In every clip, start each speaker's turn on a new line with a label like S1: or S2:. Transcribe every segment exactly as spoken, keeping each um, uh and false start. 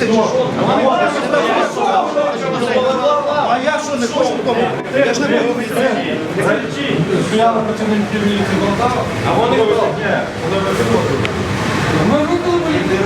S1: чи що? А я що, не хочу вдома? Я ж не буду вийти.
S2: Стояли працівники міліції Полтава, а вони ні, вони виходили. Ми викликали поліцію.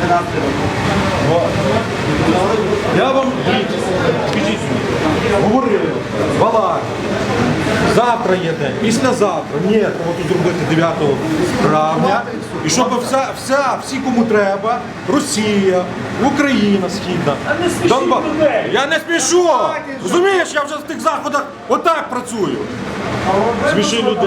S3: Я вам скажіть, говорили, балак, завтра є день, післязавтра, ні, треба тут зробити дев'ятого травня, і щоб вся, вся, всі, кому треба, Росія, Україна Східна, Донбас. Я не спішу! Розумієш, я вже в тих заходах отак працюю. Сміши людей.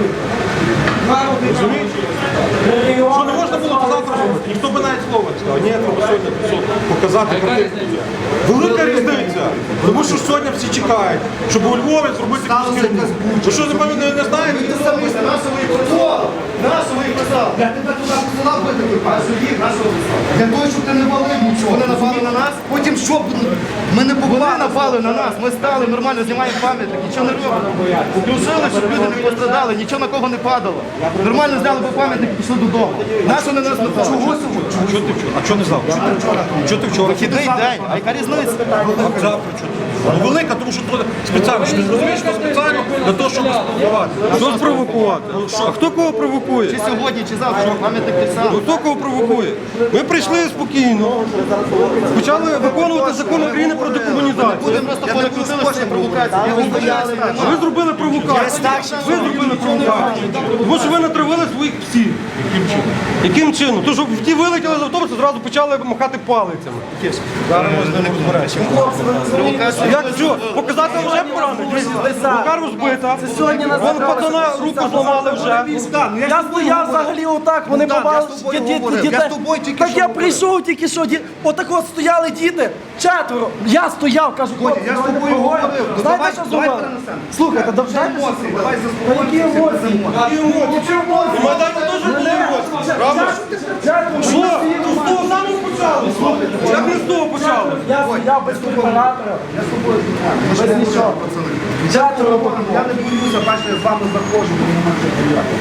S3: Розумієш? Що не можна було то завтра робити? Ніхто би навіть слова не сказав. Ні, треба сьогодні все показати картинку. Велика різниця. Тому що сьогодні всі чекають, щоб у Львові зробити якусь херню. Ви що, не пам'ятаєте, не знаєте?
S1: Нашого і писав. Нашого і писав. Я тебе туди посилав би такий пан, судів, нашого писав. Для того, щоб ти не валив нічого. Вони напали на нас, потім щоб ми не побили, напали на нас. Ми стали, нормально знімаємо пам'ятник, нічого не робимо. Включили, щоб люди не пострадали, нічого на кого не падало. Нормально зняли би пам'ятник і пішли додому. Нащо на нас напали? Чого сьогодні?
S3: Чого ти вчора? А чого не завтра? Чого ти вчора?
S1: Вихідний день, а яка різниця?
S3: А завтра чого? Ну, велика, тому що тут спеціально, що ти розумієш, що спеціально для того, щоб спровокувати.
S4: Що спровокувати? А хто кого провокує?
S1: Чи сьогодні, чи завтра, пам'ятник писав.
S4: Ну, хто кого провокує? Ми прийшли спокійно, почали виконувати закон України про декомунізацію.
S1: Будемо просто перекрутили всі провокації. Я вам пояснюю.
S4: А ви зробили провокацію. Ви зробили провокацію. Тому що ви натравили своїх псів. Яким чином? Яким чином? Тому що ті вилетіли з автобуса, зразу почали махати палицями.
S3: Зараз ми з ними розберемося.
S4: Як що? Показати вже поранення? Рука розбита. Вон пацана руку зламали вже.
S5: Я стояв взагалі отак, вони побачили,
S1: тобою
S5: що
S1: говорив,
S5: діти.
S1: я з тобою тільки
S5: Так
S1: що
S5: я
S1: говорив.
S5: прийшов тільки що, ді- отак от стояли діти, четверо. Я стояв, кажу, хлопці,
S1: я з
S5: давайте
S1: тобою
S5: поговоримо.
S1: говорив. Ну,
S5: Знаєте,
S1: давай-
S5: що
S1: давай
S5: зробили?
S1: перенесемо.
S5: Слухайте, да вже
S1: Емоції, давай
S5: Та
S1: заспокоїмося.
S5: які емоції?
S3: Які емоції?
S5: Які емоції?
S3: На Майдані теж були емоції, правда?
S5: Четверо,
S3: Що?
S5: ми стоїмо.
S3: То з того самого почали? Як не з того почали?
S5: Я стояв без препаратора,
S1: Я з тобою
S5: без нічого. Четверо було.
S1: Я не боюся, бачите, я з вами заходжу, бо нема що приїхати.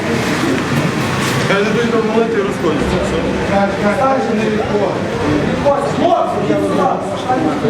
S3: Я не даю молити і розходяться.
S5: Хлопці, я